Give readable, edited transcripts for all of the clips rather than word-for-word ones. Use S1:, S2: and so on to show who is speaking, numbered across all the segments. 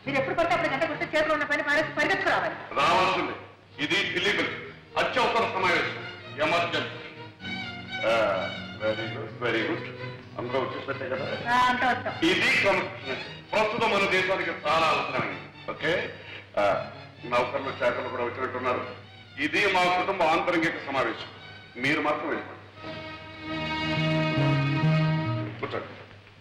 S1: మీరు ఎప్పుడు పడితే అప్పుడు గంట కొడితే చేతిలో ఉన్న పని పరిగెత్తుకు రావాలి.
S2: రావాల్సింది. ఇది ఇల్లీగల్, అత్యవసర సమావేశం, emergency. Very good, very good. అందరూ వచ్చేసే కదా. ఇది క్రమశిక్షణ ప్రస్తుతం మన దేశానికి చాలా అవసరమైంది. ఓకే, నౌకర్లు శాఖలు కూడా వచ్చినట్టున్నారు. ఇది మా కుటుంబ ఆంతరంగిక సమావేశం. మీరు మాత్రం వెళ్ళిపోండి. కూర్చోండి.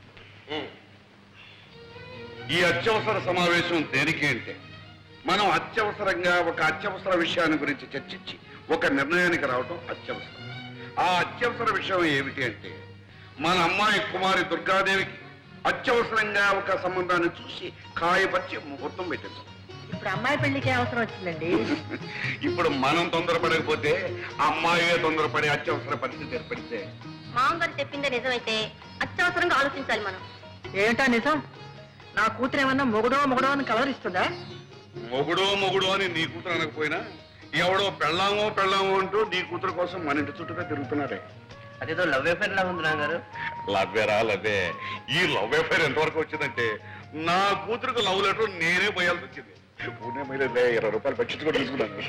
S2: ఈ అత్యవసర సమావేశం దేనికి అంటే మనం అత్యవసరంగా ఒక అత్యవసర విషయాన్ని గురించి చర్చించి ఒక నిర్ణయానికి రావడం అత్యవసరం. ఆ అత్యవసర విషయం ఏమిటి అంటే మన అమ్మాయి కుమారి దుర్గాదేవికి అత్యవసరంగా ఒక సంబంధాన్ని చూసి కాయపరిచి ముహూర్తం పెట్టించాం.
S1: ఇప్పుడు అమ్మాయి పెళ్లికి అవసరం వచ్చిందండి.
S2: ఇప్పుడు మనం తొందరపడకపోతే అమ్మాయే తొందరపడి అత్యవసర పరిస్థితి ఏర్పడితే
S3: మామగారు చెప్పిందే నిజమైతే అత్యవసరంగా ఆలోచించాలి మనం.
S1: ఏంటా నిజం? నా కూతురు ఏమన్నా మొగుడో అని కలవరిస్తుందా?
S2: మొగుడు అని నీ కూతురు అనకపోయినా ఎవడో పెళ్ళామో అంటూ నీ కూతురు కోసం మన ఇంటి చుట్టూగా తిరుగుతున్నాడే.
S4: అదేదో లవ్ అఫేర్ లా ఉంది నాన్నగారు.
S2: లవ్వే. ఈ లవ్ అఫేర్ ఎంతవరకు వచ్చిందంటే నా కూతురుకు లవ్ లెటర్ నేనే పోయాల్సి వచ్చింది. పూణే మైలే 20 రూపాయలు బడ్జెట్ కూడా తీసుకున్నాను.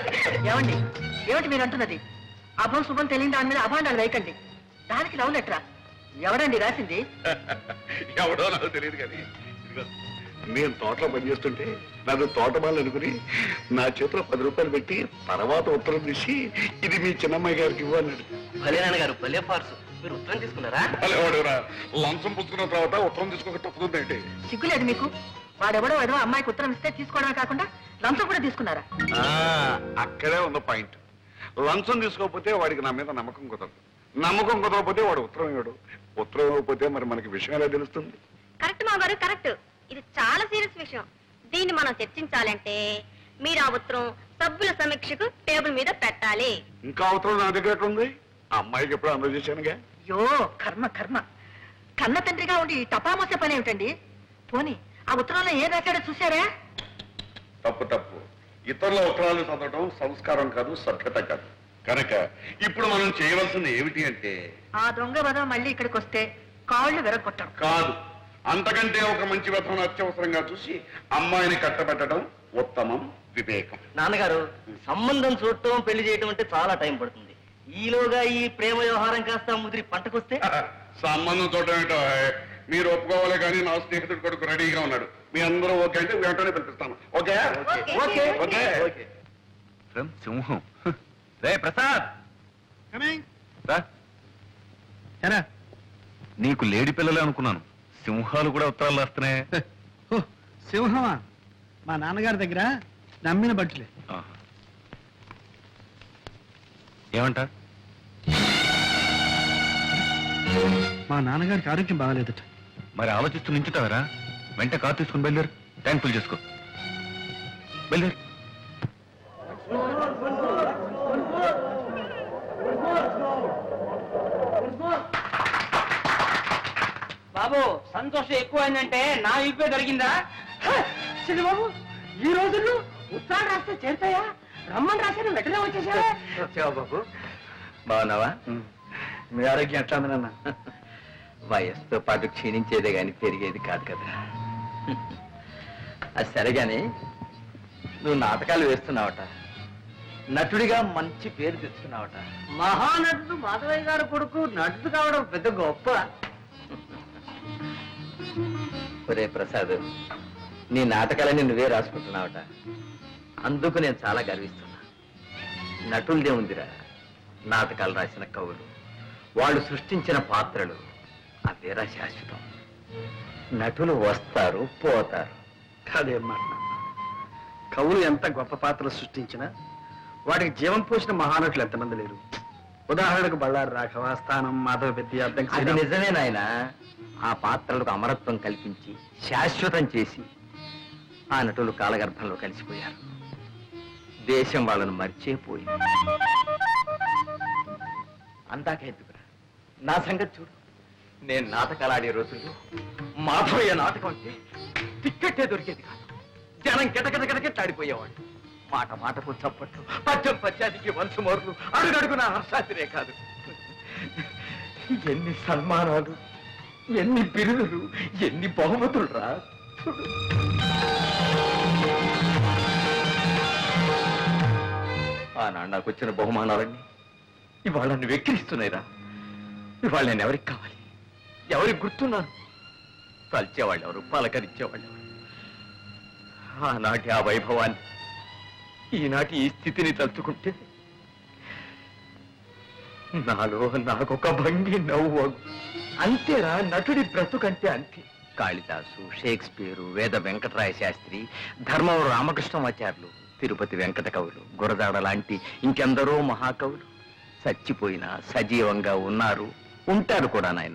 S1: ఏమిటి మీరు అంటున్నది? అభం శుభం తెలియని దాని మీద అభాండాలు వేయకండి. దానికి లవ్ లెటరా? ఎవడండి రాసింది?
S2: ఎవడో నాకు తెలియదు కానీ నేను తోటలో పనిచేస్తుంటే నాకు తోటమాలు అనుకుని నా చేతిలో 10 రూపాయలు పెట్టి తర్వాత ఉత్తరం తీసి ఇది మీ చిన్నమ్మాయి గారికి ఇవ్వన్నాడు.
S4: భలే నాన్నగారు, భలే ఫార్స్. మీరు ఉత్తరం తీసుకున్నారా?
S2: వాడేవాడురా లంచం పుచ్చుకున్న తర్వాత ఉత్తరం తీసుకోక తప్పుతుందండి.
S1: సిగ్గులేదు మీకు? వాడెవడో ఏదో అమ్మాయికి ఉత్తరం ఇస్తే తీసుకోవడమే కాకుండా లంచం కూడా తీసుకున్నారా?
S2: అక్కడే ఉన్న పాయింట్. లంచం తీసుకోకపోతే వాడికి నా మీద నమ్మకం కుదరదు. నమ్మకం కుదరకపోతే వాడు ఉత్తరం ఇవ్వడు. ఉత్తరం ఇవ్వకపోతే మరి మనకి విషయం ఎలా తెలుస్తుంది?
S3: కరెక్ట్ మామగారు, కరెక్ట్. ఇది చాలా సీరియస్ విషయం. దీన్ని మనం చర్చించాలంటే మీరు ఆ ఉత్తరం సభ్యుల సమీక్షకు టేబుల్ మీద పెట్టాలి.
S2: ఇంకా ఉత్తరం నా దగ్గర ఉంది. ఆ అమ్మాయికి ఎప్పుడు అందజేశానుగా.
S1: అయ్యో కర్మ. కన్న తండ్రిగా ఉండి టపామోసే పని ఏమిటండి? పోనీ ఆ ఉత్తరంలో ఏం రాశాడో చూశారా?
S2: తప్పు. ఇతరుల ఉత్తరాలు చదవడం సంస్కారం కాదు, సభ్యత కాదు. కనుక ఇప్పుడు మనం చేయవలసింది ఏమిటి అంటే
S1: ఆ దొంగ వదం మళ్ళీ ఇక్కడికి వస్తే కాళ్ళు విరగొట్టడం
S2: కాదు, అంతకంటే ఒక మంచి వ్యర్థం అత్యవసరంగా చూసి అమ్మాయిని కట్టబెట్టడం ఉత్తమం, వివేకం.
S4: నాన్నగారు, సంబంధం చూడటం పెళ్లి చేయటం అంటే చాలా టైం పడుతుంది. ఈలోగా ఈ ప్రేమ వ్యవహారం కాస్త ముదిరి పంటకొస్తే
S2: సంబంధం చూడటం ఏంటో మీరు ఒప్పుకోవాలి. కానీ నా స్నేహితుడు కొడుకు రెడీగా ఉన్నాడు. మీ అందరూ ఓకే అంటే వెంటనే పిలిపిస్తాను. Okay okay.
S5: సింహం రే ప్రసాద్, నీకు లేడి పిల్లలే అనుకున్నాను. సింహాలు కూడా ఉత్తరాలు రాస్తున్నాయి.
S6: సింహమా? మా నాన్నగారి దగ్గర నమ్మిన బట్టలే.
S5: ఏమంట?
S6: మా నాన్నగారికి ఆరోగ్యం బాగాలేదట.
S5: మరి ఆలోచిస్తూ నించుతావరా? వెంట కారు తీసుకుని బయలుదేరు. ట్యాంక్ ఫుల్ చేసుకో. బయలుదేరు.
S4: బాబు, సంతోషం ఎక్కువైందంటే నా ఇప్పే దొరికిందా?
S1: బాబు, ఈ రోజుల్లో ఉత్తరాలు రాస్తే చేరుతాయా? రమ్మని రాశారు, వెంటనే వచ్చేసావా?
S4: బాబు, బాగున్నావా? మీ ఆరోగ్యం ఎట్లా ఉంది నాన్న? వయస్సుతో పాటు క్షీణించేదే గాని పెరిగేది కాదు కదా. అది సరే గాని నువ్వు నాటకాలు వేస్తున్నావట, నటుడిగా మంచి పేరు తెచ్చుకున్నావట. మహానటుడు మాధవయ్య గారు కొడుకు నటుడు కావడం పెద్ద గొప్ప. ఒరే ప్రసాద్, నీ నాటకాలని నువ్వే రాసుకుంటున్నావట. అందుకు నేను చాలా గర్విస్తున్నా. నటులదే ఉందిరా, నాటకాలు రాసిన కవులు, వాళ్ళు సృష్టించిన పాత్రలు అవేరా శాశ్వతం. నటులు వస్తారు పోతారు.
S6: కాదేమ్మా, కవులు ఎంత గొప్ప పాత్రలు సృష్టించినా వాటికి జీవం పోసిన మహానటులు ఎంతమంది లేరు. ఉదాహరణకు బళ్ళారి రాఘవ, స్థానం, మాధవ పెద్ద.
S4: అది నిజమే నాయన. ఆ పాత్రలకు అమరత్వం కల్పించి శాశ్వతం చేసి ఆ నటులు కాలగర్భంలో కలిసిపోయారు. దేశం వాళ్ళను మర్చిపోయింది. అందాక ఎందుకురా, నా సంగతి చూడు. నేను నాటకాలు ఆడే రోజుల్లో మాధవయ్య నాటకం అంటే టిక్కెట్టే దొరికేది కాదు. జనం గిటగిటగిటగిట్లాడిపోయేవాడు. మాట మాటకు చప్పట్లు, పద్యం పద్యానికి వంశమోర్లు, అడుగడుగు నా హర్షాతిరే కాదు. ఎన్ని సన్మానాలు, ఎన్ని బిరుదులు, ఎన్ని బహుమతులు రా. ఆనాడు నాకు వచ్చిన బహుమానాలన్నీ ఇవాళ నన్ను వెక్కిరిస్తున్నాయిరా. ఇవాళ నేను ఎవరికి కావాలి, ఎవరికి గుర్తున్నాను? తలిచేవాళ్ళు ఎవరు, పలకరించేవాళ్ళు ఎవరు? ఆనాటి ఆ వైభవాన్ని, ఈనాటి ఈ స్థితిని తలుచుకుంటే నాలో నాకొక భంగి నవ్వు. అంతేరా నటుడి బ్రతుకంటే అంతే. కాళిదాసు, షేక్స్పియరు, వేద వెంకటరాయ శాస్త్రి, ధర్మవరం రామకృష్ణమాచార్యులు, తిరుపతి వెంకట కవులు, గురజాడ లాంటి ఇంకెందరో మహాకవులు చచ్చిపోయినా సజీవంగా ఉన్నారు, ఉంటారు కూడా నాయన.